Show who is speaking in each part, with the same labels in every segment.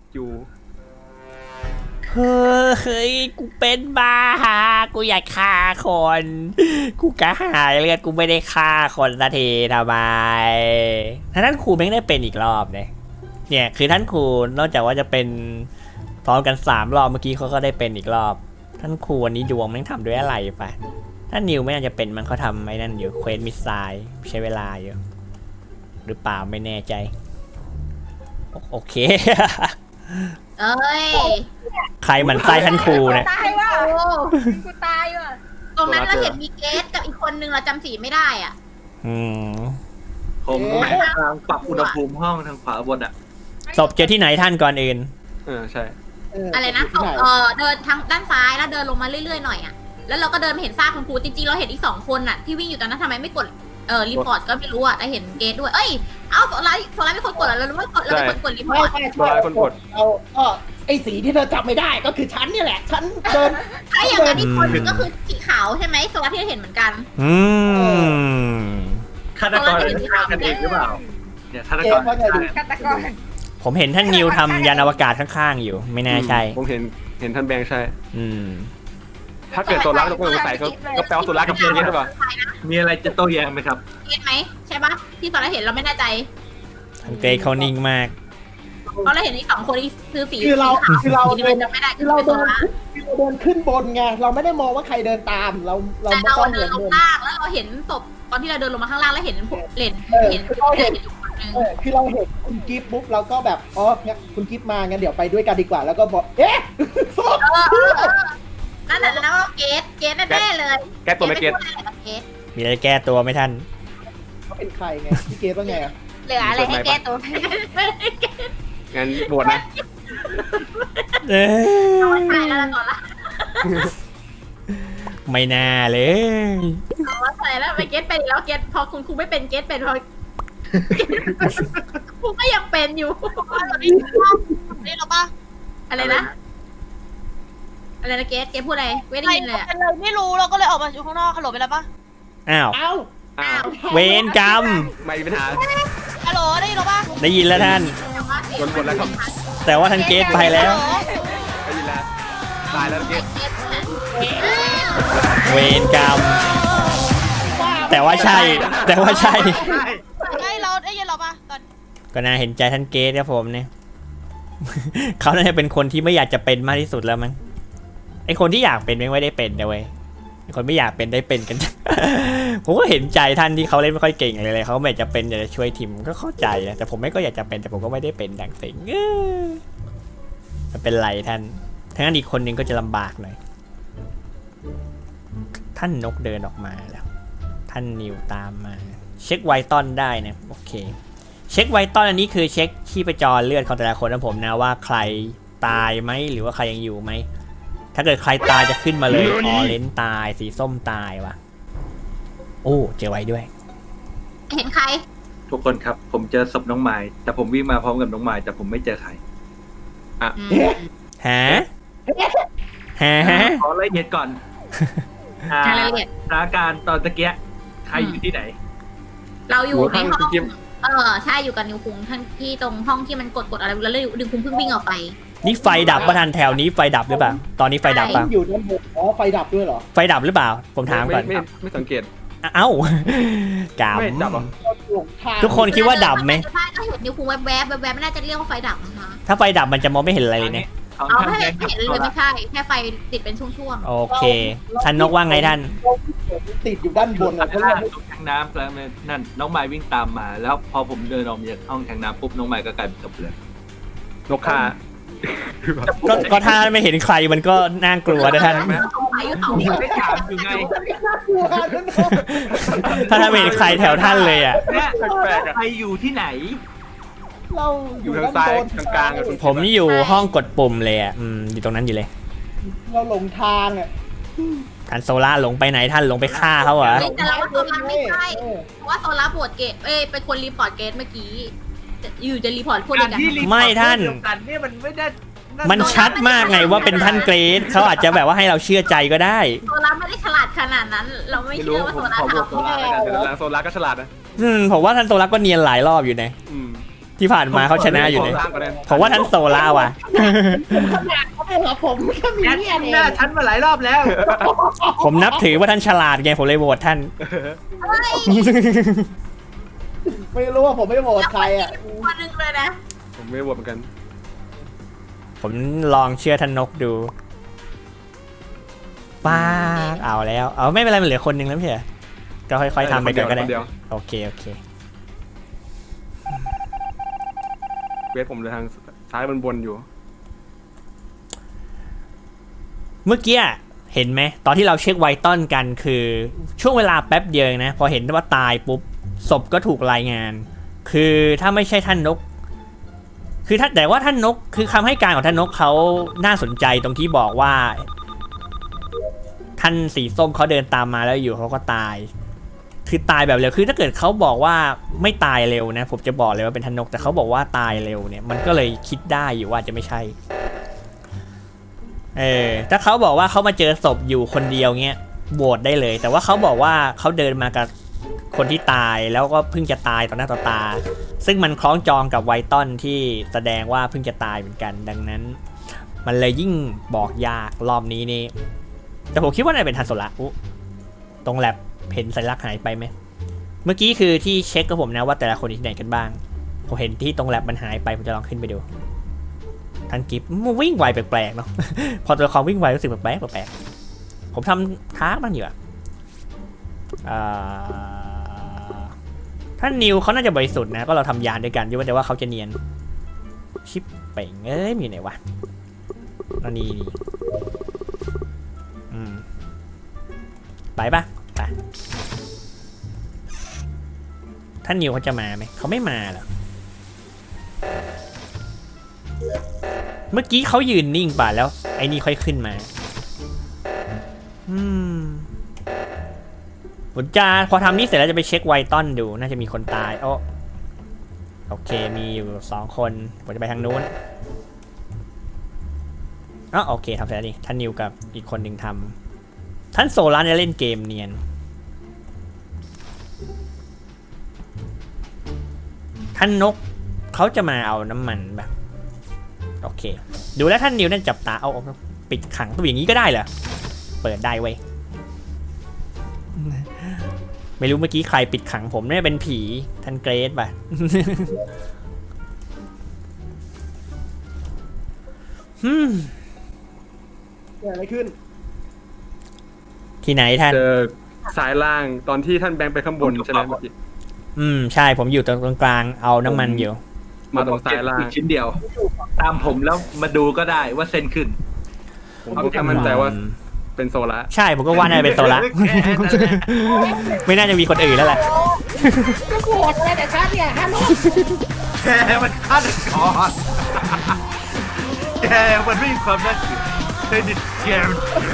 Speaker 1: อยู่
Speaker 2: เฮ้ยกูเป็นบ้ากูอยากฆ่าคนกูกระหายเลือดกูไม่ได้ฆ่าคนสักทีทำไมท่านครูแม่งได้เป็นอีกรอบเนี่ยคือท่านครูนอกจากว่าจะเป็นพร้อมกัน3 รอบเมื่อกี้เขาก็ได้เป็นอีกรอบท่านครูวันนี้ดวงแม่งทำด้วยอะไรปะท่านนิวไม่น่าจะเป็นมันเขาทำไอ้นั่นอยู่เควสมิสไซล์ใช้เวลาอยู่หรือเปล่าไม่แน่ใจโอเค
Speaker 3: เอ้ย
Speaker 2: ใครหมันไส้ท่านครูเนี่ย
Speaker 4: ตายว่ะ
Speaker 3: โอ้
Speaker 4: กูตายว่ะ
Speaker 3: ตรงนั้นเราเห็นมีเกสกับอีกคนนึงเราจำสีไม่ได้อ่ะ
Speaker 2: อืม
Speaker 1: ผมทางปรับอุณหภูมิห้องทางขวาบนอ่ะ
Speaker 2: ศพเจอที่ไหนท่านก่อนอื่น
Speaker 1: ใช่
Speaker 3: อะไรนะเดินทางด้านซ้ายแล้วเดินลงมาเรื่อยๆหน่อยอ่ะแล้วเราก็เดินมาเห็นซากคุณครูจริงๆเราเห็นอีก2 คนอ่ะที่วิ่งอยู่ตอนนั้นทำไมไม่กดรีพอร์ตก็ไม่รู้อ่ะแต่เห็นเกสด้วยเอ้ยเอาโซล่าไม่คนกดแล้วเราไม่กดเราเป็นคนกดรีพอร์ต
Speaker 1: ตัวร้ายคนกด
Speaker 5: เราไอ้สีที่เธอจับไม่ได้ก็คือฉันเนี่ยแหละฉันเดิน
Speaker 3: ถ้าอย่างนั้นอีกคนนึงก็คือสีขาวใช่ไหมโซล่าที่เราเห็นเหมือนกัน
Speaker 2: อืม
Speaker 1: ฆาตกรฆ่ากันเองหรือเปล่าเนี่ยฆาต
Speaker 5: เก
Speaker 1: กร
Speaker 5: มว่าไงดู
Speaker 4: ฆาตกร
Speaker 2: ผมเห็นท่านนิวทำยานอวกาศข้างๆอยู่ ไม่น่าใช่
Speaker 1: ผมเห็นท่านแบงค์ใช่
Speaker 2: อืม
Speaker 1: ถ้าเกิดโซล่าต้องสงสัยก็แปลว่าโซล่ากับเพียงนี้หรือเปล่ามีอะไรจะโต้แย้งไหมครับ
Speaker 3: เกสไหมใช่ปะที่โซล่าเห็นเราไม่แน่ใจ
Speaker 2: ท่านเกรทเขานิ่งมาก
Speaker 3: เพราะเราเห็นอีก2 คนที่ซื้อสี
Speaker 5: คือเรา
Speaker 3: สี
Speaker 5: เดิน
Speaker 3: จำไม่ได้
Speaker 5: คือเราเดินขึ้นบนไงเราไม่ได้มองว่าใครเดินตามเรา
Speaker 3: แต่
Speaker 5: ไม่
Speaker 3: เรา
Speaker 5: ต้อง
Speaker 3: เดิ
Speaker 5: เดิ
Speaker 3: น
Speaker 5: น
Speaker 3: ลง
Speaker 5: บน
Speaker 3: ล่างแล้วเราเห็นศพตอนที่เราเดินลงมาข้างล่างแล้วเห็นเลนเห็นอยู่คนนึง
Speaker 5: คือเราเห็นคุณกิฟต์ปุ๊บเราก็แบบเนี่ยคุณกิฟต์มางั้นเดี๋ยวไปด้วยกันดีกว่าแล้วก็บอกโซ่
Speaker 3: นั่นแหละนะว่าเกสแน่เลย
Speaker 1: แก้ตัวไม่เก็ต
Speaker 3: เกส
Speaker 2: มีอะไรแก้ตัวไหมท่าน
Speaker 5: เขาเป็นใครไงพี่เกฟว่าไง
Speaker 3: เหลืออะไรให้แก้ตัว
Speaker 1: งั้นบวชนะ
Speaker 2: เอ้ย
Speaker 3: ตายแล้วก่อนละ
Speaker 2: ไม่น่าเลย
Speaker 3: ว่าใส่แล้วไปเกสเป็นแล้วเกสพอคุณครูไม่เป็นเกสเป็นพอครูก็ยังเป็นอยู่นี่เราปะอะไรนะอะไรนะเกสพูดอะไรไม่ได้ยินเลย
Speaker 4: เป็นเลยไม่รู้เราก็เลยออกมาอยู่ข้างนอกฮัลโหลไปแล้วปะ
Speaker 2: อ้าว
Speaker 5: อ้าว
Speaker 2: เวรกรรม
Speaker 1: ไม่มีปัญหา
Speaker 4: ฮัลโหลได้ยินเราปะ
Speaker 2: ได้ยินแล้วท่าน
Speaker 1: บนแล้วครับ
Speaker 2: แต่ว่าท่านเกรทไปแล้ว
Speaker 1: ได้ยินแล้วตายแล้วเมื่อกี้
Speaker 2: เวรกรรม แต่ว่าใช่ แต่ว่าใช่
Speaker 4: ได้เราได้ยินเราปะตอน
Speaker 2: ก็น่าเห็นใจท่านเกรทครับผมเนี่ย เขาน่าจะเป็นคนที่ไม่อยากจะเป็นมากที่สุดแล้วมั้งไอคนที่อยากเป็นไม่ได้เป็นนะเว้ยไอคนไม่อยากเป็นได้เป็นกัน ผมก็เห็นใจท่านที่เขาเล่นไม่ค่อยเก่งเลยเขาไม่อยากจะเป็นอยากจะช่วยทีมก็เข้าใจนะแต่ผมไม่ก็อยากจะเป็นแต่ผมก็ไม่ได้เป็นดังสิงมันเป็นไรท่านทั้งนั้นอีกคนนึงก็จะลำบากหน่อยท่านนกเดินออกมาแล้วท่านนิวตามมาเช็คไวตอนได้นะโอเคเช็คไวตอนอันนี้คือเช็คชีพจรเลือดของแต่ละคนนะผมนะว่าใครตายไหมหรือว่าใครยังอยู่ไหมถ้าเกิดใครตายจะขึ้นมาเลยออเรนจ์ตายสีส้มตายวะโอ้เจอไว้ด้วย
Speaker 3: เห็นใคร
Speaker 1: ทุกคนครับ ผมเจอศพน้องไม้แต่ผมวิ่งมาพร้อมกับน้องไม้แต่ผมไม่เจอใคร
Speaker 2: ฮะ
Speaker 1: ขอรายละเอียดก่อน
Speaker 3: รายละเอียด
Speaker 1: สถานการณ์ตอนตะเกียใครอยู่ที่ไหน
Speaker 3: เราอยู่ในห้อง
Speaker 1: จิ๊บ
Speaker 3: ใช่อยู่กับนิวคุงท่านที่ตรงห้องที่มันกดอะไรแล้วนิวคุงเพิ่งวิ่งออกไป
Speaker 2: นี่ไฟดับประทันแถวนี้ไฟดับหรือเปล่าตอนนี้ไฟดับป่ะ
Speaker 5: อยู่ด้านบนไฟดับด้วยเหรอ
Speaker 2: ไฟดับหรือเปล่าผมถามก่อน
Speaker 1: ไม่สังเกต
Speaker 2: เอ้า
Speaker 1: ไม่ดับหรอ
Speaker 2: ทุกคนคิดว่าดับไหม
Speaker 3: ใช่ก็เห็นนิวคุงแวบไม่น่าจะเรียกว่าไฟดับนะคะ
Speaker 2: ถ้าไฟดับมันจะมองไม่เห็นอะไรเลยเนี่ย
Speaker 3: เอาไม่เห็นเลยไม่ใช่แค่ไฟติดเป็นช่วง
Speaker 2: โอเคท่านนกว่าไงท่าน
Speaker 5: ติดอยู่ด้านบน
Speaker 1: ตรงแทงน้ำแล้วนั่นน้องไม้วิ่งตามมา แล้วพอผมเดินออกมาจากห้องแทงน้ำปุ๊บน้องไม้ก็กลายเป็นศพเลยนกฆ่า
Speaker 2: ก็ถ้าไม่เห็นใครมันก็น่ากลัวนะท่าน
Speaker 3: ๆสงสัยอยู่สองคน
Speaker 1: ไม่ถามอยู่ไง
Speaker 2: ถ้าไม่เห็นใครแถวท่านเลยอ่ะ
Speaker 1: เนี่ยใครอยู่ที่ไหน
Speaker 5: เรา
Speaker 1: อยู่ทางซ้ายกลางๆ
Speaker 2: ผมอยู่ห้องกดปุ่มเลยอ่ะอยู่ตรงนั้นอยู่เลย
Speaker 5: เราหลงทางอ่ะ
Speaker 2: ท่านโซล่าหลงไปไหนท่านหลงไปฆ่าเขาเหรอ
Speaker 3: แต่เราว่าโซล่าไม่ใช่เพราะว่าโซล่าบวชเกตเป็นคนรีพอร์ตเกตเมื่อกี้อยู่จะรีพอร์ตพวกนี้กัน
Speaker 2: ไม่ท่าน
Speaker 1: เนี่ยมันไม่ได้
Speaker 2: มันชัดมากไงว่าเป็นท่านเกรซเขาอาจจะแบบว่าให้เราเชื่อใจก็ได้
Speaker 3: โซล่าไม่ได้ฉลาดขนาดนั้น เราไม่
Speaker 1: ไม่
Speaker 3: เชื่
Speaker 1: รู้
Speaker 3: อว่า
Speaker 1: ผ
Speaker 3: โซ
Speaker 1: ม
Speaker 3: ล่า
Speaker 1: ขอบอก
Speaker 3: ทำ
Speaker 1: โซล่าแล้วกันแต่โซล่าก็ฉลาดนะ
Speaker 2: ผมว่าท่านโซล่าก็เนียนหลายรอบอยู่นะที่ผ่านมาเขาชนะอยู่เลย
Speaker 6: ขล่างก่อนเลย
Speaker 2: ผมว่าท่านโซล่าว่ะ
Speaker 5: เขาไม่เหรอผมแค่มี
Speaker 1: แอด
Speaker 5: เนี่ยเอ
Speaker 1: หน้าง ฉันมาหลายรอบแล้ว
Speaker 2: ผมนับถือว่าท่านฉลาดไงผมเลยโหวตท่าน
Speaker 5: ไม่รู้ว่าผมไม่โหวตใครอ่ะ
Speaker 3: คนหนึงเลยนะ
Speaker 6: ผมไม่โหวตเหมือนกัน
Speaker 2: ผมลองเชื่อท่านนกดูป้าดเอาแล้วเอาไม่เป็นไรมันเหลือคนหนึงแล้วไม่ใช่เหรอก็ค่อยๆทำไปก่อนก็ได้
Speaker 6: คนเดียว
Speaker 2: โอเคโอเค
Speaker 6: เวทผมเลยทางซ้ายบนอยู่
Speaker 2: เมื่อกี้เห็นไหมตอนที่เราเช็คไวตอนกันคือช่วงเวลาแป๊บเดียวเองนะพอเห็นว่าตายปุ๊บศพก็ถูกรายงาน คือถ้าไม่ใช่ท่านนก คือถ้าแต่ว่าท่านนกคือคำให้การของท่านนกเขาน่าสนใจตรงที่บอกว่า ท่านสีส้มเขาเดินตามมาแล้วอยู่เขาก็ตาย คือตายแบบเร็วคือถ้าเกิดเขาบอกว่าไม่ตายเร็วนะผมจะบอกเลยว่าเป็นท่านนกแต่เขาบอกว่าตายเร็วเนี่ยมันก็เลยคิดได้อยู่ว่าจะไม่ใช่ถ้าเขาบอกว่าเขามาเจอศพอยู่คนเดียวเงี้ยโหวตได้เลย แต่ว่าเขาบอกว่าเขาเดินมากับคนที่ตายแล้วก็เพิ่งจะตายต่อหน้าต่อตาซึ่งมันคล้องจองกับไวตอนที่แสดงว่าเพิ่งจะตายเหมือนกันดังนั้นมันเลยยิ่งบอกยากรอบนี้นี่แต่ผมคิดว่าน่าจะเป็นทันโซละตรงแลบเห็นสัญลักษณ์หายไปไหมเมื่อกี้คือที่เช็คกับผมนะว่าแต่ละคนอยู่ที่ไหนกันบ้างผมเห็นที่ตรงแลบมันหายไปผมจะลองขึ้นไปดูทันกิฟมันวิ่งไวแปลกๆเนาะ พอตัวละครวิ่งไวรู้สึกแปลกๆผมทำท้ามันอยู่อะท่านนิวเขาน่าจะบริสุทธิ์นะก็เราทำยานด้วยกันด้วยแต่ว่าเขาจะเนียนชิปเป่งเอ้ยมีไหนวะอันนี้ไปปะไปท่านนิวเขาจะมาไหมเขาไม่มาหรอเมื่อกี้เขายืนนิ่งป่ะแล้วไอ้นี่ค่อยขึ้นมาผมจะพอทำนี่เสร็จแล้วจะไปเช็คไวตอนดูน่าจะมีคนตายโอเคมีอยู่2คนผมจะไปทางนู้นโอเคทำเสร็จแล้วนี่ท่านนิวกับอีกคนหนึ่งทำท่านโซลาร์เนี่ยเล่นเกมเนียนท่านนกเขาจะมาเอาน้ำมันแบบโอเคดูแล้วท่านนิวนั่นจับตาเอาปิดขังตัวอย่างนี้ก็ได้เหรอเปิดได้เว้ยไม่รู้เมื่อกี้ใครปิดขังผมเนี่ยเป็นผีท่านเกรซป่ะ
Speaker 5: เกิดอะไรขึ้น
Speaker 2: ที่ไหนท่าน
Speaker 6: เจอซ้ายล่างตอนที่ท่านแบงค์ไปข้างบนใช่ไหมเมื่อกี้
Speaker 2: ใช่ผมอยู่ตรงกลางเอาน้ำมันอยู่
Speaker 6: มาตรงซ้ายล่าง
Speaker 1: อีกชิ้นเดียว ตามผมแล้วมาดูก็ได้ว่าเส้นขึ้น
Speaker 6: ผมก็แค่มั่นใจว่าเป็นโซล่า
Speaker 2: ใช่ผมก็ว่าน่าจะเป็นโซละ ไม่น่าจะมีคนอื่นแล้วแหละ
Speaker 5: ก็โหวตเลยแต่ฉันเนี่ยฮัลโหล
Speaker 1: แกมันฆาตกรแกมันไม่มีความน่าเชื่อเครดิตแกมัน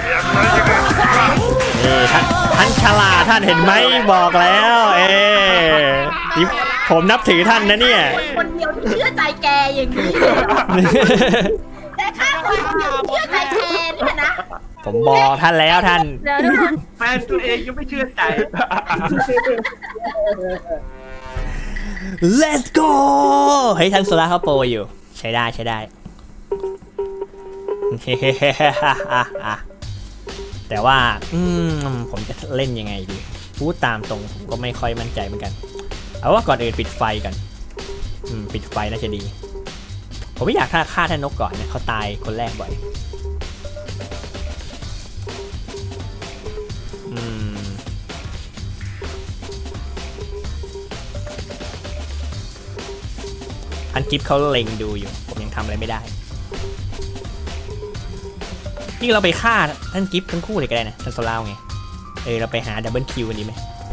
Speaker 2: นี่ท่านฉลาดท่านเห็นไหมบอกแล้วนี่ผมนับถือท่านนะเนี่ย
Speaker 3: คนเดียวที่เชื่อใจแกอย่างนี้แต่ข้าคนเดียวที่เชื่อใจแกเนี่ยนะ
Speaker 2: ผมบอกท่านแล้วท่าน
Speaker 3: เดี๋ยวทุกคน
Speaker 1: แฟนตัวเองยังไม่เชื่อใจ
Speaker 2: Let's go เฮ้ยท่านโซล่าเขาโปรอยู่ใช้ได้ใช้ได้ แต่ว่าผมจะเล่นยังไงดีพูดตามตรงผมก็ไม่ค่อยมั่นใจเหมือนกันเอาว่าก่อนอื่นปิดไฟกันปิดไฟน่าจะดีผมไม่อยากฆ่าท่านนกก่อนนะเขาตายคนแรกบ่อยท่านกิฟเขาเล็งดูอยู่ผมยังทำอะไรไม่ได้นี่เราไปฆ่าท่านกิฟทั้งคู่เลยก็ได้นะท่านโซล่าไงเราไปหาดับเบิลคิวกันดีไหม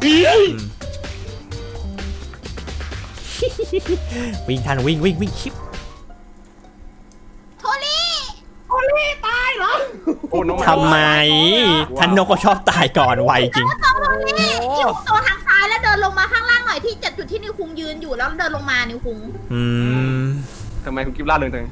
Speaker 2: วิ่งท่านวิ่งชิป
Speaker 3: โทลี่ตายเหรอ
Speaker 6: โอ้น้อง
Speaker 2: ทำไมท่านนกก็ชอบตายก่อนไวจริง
Speaker 3: โทลี่อยู่ตัวทางซ้ายแล้วเดินลงมาข้างล่างหน่อยที่จุดที่นิวคุงยืนอยู่แล้วเดินลงมานิวคุง
Speaker 6: ทำไมคุณกิฟล่าเริงจัง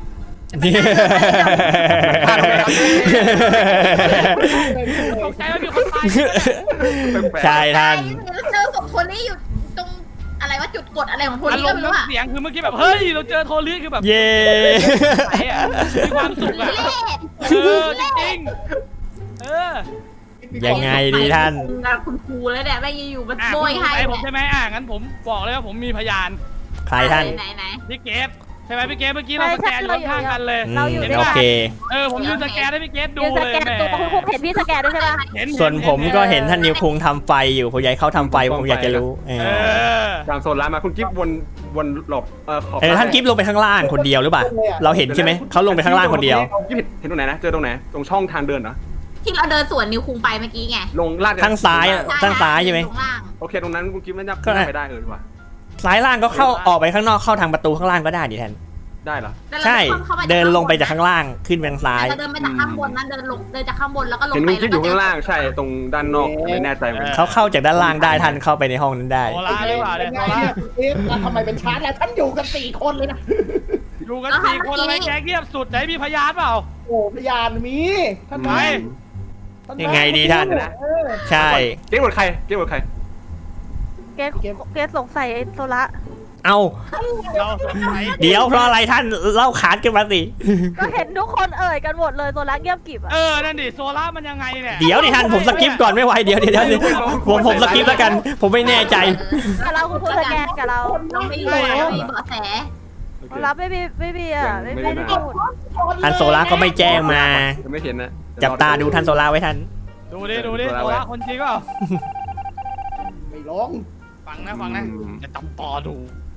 Speaker 4: ตกใจว่ามีคนตาย
Speaker 2: ใช่ท่าน
Speaker 3: เจอศพโทลี่อยู่ตรงอะไรอะไรว่าจุดกดอะไรของโท
Speaker 7: อา
Speaker 3: นี่
Speaker 7: ร
Speaker 3: ก็
Speaker 7: มณ์
Speaker 3: ไม่รู้อะ
Speaker 7: น้ำเสียงคือเมื่อกี้แบบเฮ้ยเราเจอโทรลีคือแบบ
Speaker 2: เย่
Speaker 7: ไหนอะมีความสุขอะ
Speaker 3: เล่
Speaker 7: จริงๆ
Speaker 2: ยังไงดีท่าน
Speaker 3: คุณครูแล้วเนี่ยแม่งอยู่ๆมัน
Speaker 7: อ่ะ
Speaker 3: โบ
Speaker 7: คุณ
Speaker 3: ย
Speaker 7: สง
Speaker 3: ให้
Speaker 7: สัยผมใช่ไหมงั้นผมบอกเลยว่าผมมีพยาน
Speaker 2: ใครท่าน
Speaker 3: ไหน
Speaker 7: พี่เกฟใช่ไหมพี่เกฟเมื่อกี้เราสแกนอยู่ข้างๆกันเลย
Speaker 2: อืมโอเค
Speaker 7: ผมยืนสแกนให้พี่เกฟดู
Speaker 8: ยืนส
Speaker 7: เลย
Speaker 8: แกน
Speaker 7: แหม
Speaker 8: ตัวคุณครูเห็นพี่สแกนด้วยใช่ปะ
Speaker 7: เห็น
Speaker 2: ส่วนผมก็เห็นท่านนิวคุงทำไฟอยู่ผมอยากให้เขาทำไฟผมอยากจะรู้
Speaker 7: เออ
Speaker 6: ตามโซนร้านมาคุณกิ๊บวนหลบขอบ
Speaker 2: ท่านกิฟลงไปข้างล่างคนเดียวหรือเปล่าเราเห็นใช่ไหมเขาลงไปข้างล่างคนเดียว
Speaker 6: กิ๊บเห็นตรงไหนนะเจอตรงไหนตรงช่องทางเดินเหรอ
Speaker 3: ที่เราเดินสวนนิวคุงไปเมื่อกี้ไง
Speaker 6: ลงลาด
Speaker 2: ข้างซ้ายข้างซ้ายใช่ไหม
Speaker 3: ตรงล่าง
Speaker 6: โอเคตรงนั้นคุณกิ๊บน่าจะไปได้เลยดีกว่า
Speaker 2: ซ้ายล่างก็เข้าออกไปข้างนอกเข้าทางประตูข้างล่างก็ได้ดิแทน
Speaker 6: ได้เหรอ
Speaker 3: แล้วเรา
Speaker 2: ใช่
Speaker 3: ข้ามา
Speaker 2: เดินลงไปจากข้างล่างขึ้นไปทางซ้าย
Speaker 3: เราเดินไปจากข้างบนนั้นเดินจากข้างบนแล้วก็ลง
Speaker 6: เห็น
Speaker 3: ไป
Speaker 6: คุณกิ๊บอยู่ข้างล่างใช่ตรงด้านนอกไม่แน่ใจเหมือนกัน
Speaker 2: เขาเข้าจากด้านล่างได้ท่านเข้าไปในห้องนั้นได้
Speaker 7: โซล่าหรือเปล่า
Speaker 5: เป็
Speaker 7: เนี่ย
Speaker 5: นไง
Speaker 7: โซล่า
Speaker 5: เนี่ยคุณกิฟต์แล้วทำไมเป็นชาร์จแล้วท่านอยู่กัน4 คนเลยนะ
Speaker 7: อยู่กัน4 คนอะไรแกเงียบสุดไหนมีพยานเปล่า
Speaker 5: โอ้พยานมีท่าน
Speaker 7: ไหน
Speaker 5: ท่าน
Speaker 2: ยังไงดีท่าน
Speaker 5: เออ
Speaker 2: ใช่
Speaker 6: เก๊กหมดใครเก๊กหมดใคร
Speaker 8: เกสสงสัยไอ้โซละ
Speaker 2: เอา
Speaker 7: เราสงสัย
Speaker 2: เดี๋ยวเพราะอะไรท่านเล่าขานกันมาสิ
Speaker 8: ก็เห็นทุกคนเอ่ยกันหมดเลยโซละเงียบกริบอ่ะ
Speaker 7: นั่นดิโซล่ามันยังไงเนี่ย
Speaker 2: เดี๋ยวดิท่านผมสกิปก่อนไม่ไหวเดี๋ยวผมสกิปแล้วกัน ผมไม่แน่ใจ
Speaker 8: กับเราคุณครูสแกนกับเรา
Speaker 3: เราไม่รู้เรามีเบาะแส
Speaker 8: โซละไม่มีอ่ะไม่ได้พูด
Speaker 2: ท่านโซล่าก็ไม่แจ้งมา
Speaker 6: ยังไม่เห็นนะ
Speaker 2: จับตาดูท่านโซล่าไว้ท่าน
Speaker 7: ดูดิโซล่าคนจริงเปล่า
Speaker 5: ไม่ลง
Speaker 7: ฟังนะจะจับต่อดู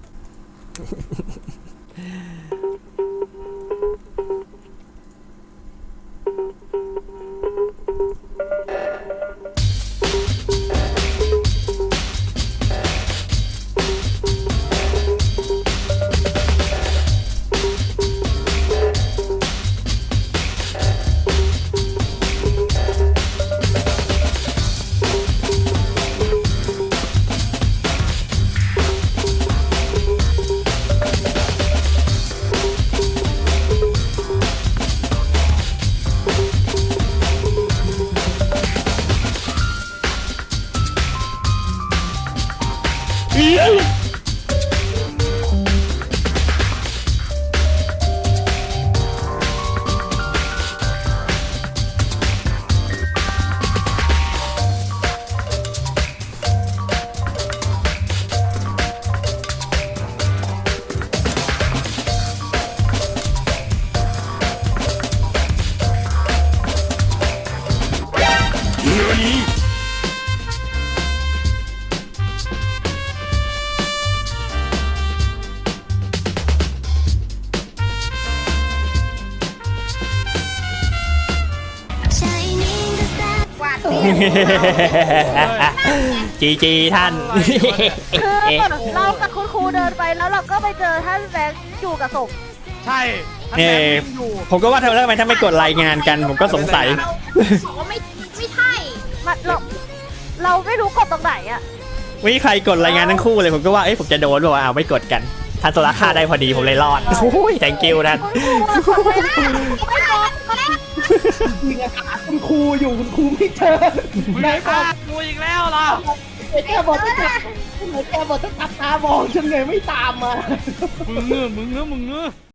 Speaker 3: กวาด
Speaker 2: จีท่าน
Speaker 8: คือเรากับคุณครูเดินไปแล้วเราก็ไปเจอท่านแบงค์อยู่กับศพ
Speaker 7: ใช่ท่านแบงค์วิ่งอยู่
Speaker 2: ผมก็ว่าทำไมท่านไม่กดรายงานกัน ผมก็สงสัย
Speaker 3: บอกว่าไม่ใช่
Speaker 8: มันเราไม่รู้กดตรงไหนอ่ะ
Speaker 2: ไม่มีใครกดรายงานทั้งคู่เลยผมก็ว่าเอ้ยผมจะโดนบอกว่าเอาไม่กดกันท่านโซล่าฆ่าได้พอดีผมเลยรอดโอ้ย thank you ท่าน
Speaker 5: จริงอะค่ะคุณครูอยู่คุณครูไม่เจอไหนบ
Speaker 7: ฆ่า
Speaker 5: อก
Speaker 7: กูอีกแล้วเหรอ
Speaker 5: แกบอกจะแกบอกจะตัดตามองฉันไงไม่ตามมา
Speaker 7: มึงเงื้อ